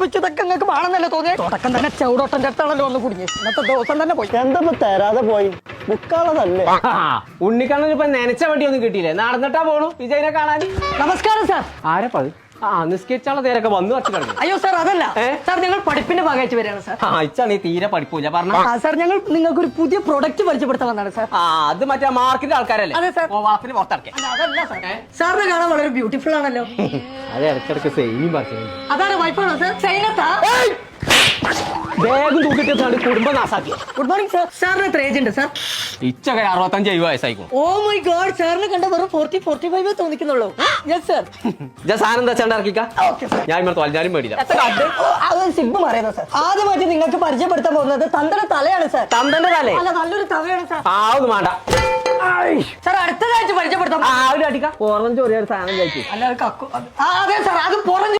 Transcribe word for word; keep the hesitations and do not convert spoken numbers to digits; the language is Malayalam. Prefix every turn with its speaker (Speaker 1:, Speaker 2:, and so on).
Speaker 1: ഇതൊക്കെ നിങ്ങൾക്ക് വേണമെന്നല്ലേ തോന്നിയത്? തുടക്കം തന്നെ ചവിടോട്ടന്റെ അടുത്താണല്ലോ ഒന്ന് കുടുങ്ങി. ഇന്നത്തെ ദിവസം തന്നെ പോയി.
Speaker 2: എന്താ തരാതെ പോയി ബുക്കാളതല്ലേ?
Speaker 3: ഉണ്ണിക്കണ്ണൻ ഇപ്പൊ നനച്ച വണ്ടി ഒന്നും കിട്ടിയില്ലേ? നടന്നിട്ടാ പോണു വിജയനെ കാണാൻ.
Speaker 1: നമസ്കാരം സാർ.
Speaker 3: ആരപ്പത്? ആ നിസ്കരിച്ചുള്ള നേരൊക്കെ വന്നു വച്ചു കിടന്നു.
Speaker 1: അയ്യോ സാർ, അതല്ല സാർ, ഞങ്ങൾ പഠിപ്പിന്റെ ഭാഗമായിട്ട് വരികയാണ് സാർ.
Speaker 3: ആ ഇച്ചാണ് ഈ തീരെ പഠിപ്പൂല പറഞ്ഞ.
Speaker 1: സാർ, ഞങ്ങൾ നിങ്ങൾക്ക് ഒരു പുതിയ പ്രൊഡക്റ്റ് പരിചയപ്പെടുത്താൻ വന്നതാണ് സാർ.
Speaker 3: ആ അത് മറ്റേ മാർക്കിന്റെ ആൾക്കാരല്ലേ?
Speaker 1: അതെ സാർ.
Speaker 3: വളത്തിന് പുറത്തിറക്കേ.
Speaker 1: അതല്ല സാർ, സാറിനെ കാണാൻ വളരെ ബ്യൂട്ടിഫുൾ ആണല്ലോ.
Speaker 3: അത് ഇടയ്ക്കിടയ്ക്ക് സെയിം പറഞ്ഞു.
Speaker 1: അതാണ് വൈഫാണോ സാർ? സൈനത്താ?
Speaker 3: വേഗം തൂക്കിട്ട് കുടുംബം നാസാക്കി.
Speaker 1: Good morning sir. സാറിന് എത്ര ഏജ് ഉണ്ട് സാർ?
Speaker 3: ഇച്ചൊക്കെ അറുപത്തഞ്ച് എഴുപത് വയസ്സായിക്കും.
Speaker 1: ഓ മൈ ഗോഡ്, സാറിന് കണ്ട വെറും ഫോർട്ടി ഫോർട്ടി ഫൈവ് തോന്നിക്കുന്നുള്ളൂ. Yes sir.
Speaker 3: സാധനം എന്താ വെച്ചാൽ ഇറക്കിക്ക.
Speaker 1: Okay sir.
Speaker 3: ഞാൻ ഇവിടെ തോൽഞ്ഞാലും മേടില്ല.
Speaker 1: അതൊരു സിബ് പറയുന്നത് സാർ. ആദ്യമായിട്ട് നിങ്ങൾക്ക് പരിചയപ്പെടുത്താൻ പോകുന്നത് തന്തയുടെ തലയാണ് സാർ.
Speaker 3: തന്തന്റെ തലേ?
Speaker 1: അല്ല, നല്ലൊരു തവയാണ് സാർ.
Speaker 3: ആ ഒന്നും വേണ്ട
Speaker 1: സാർ. അടുത്തതായിട്ട് പരിചയപ്പെടുത്താം.
Speaker 3: ആ ഒരു അടിക്ക ഓറഞ്ച് ഒരേ ഒരു സാധനം കഴിക്കും.
Speaker 1: അല്ല, അത് കക്കു. അതെ സാർ, അത് പുറം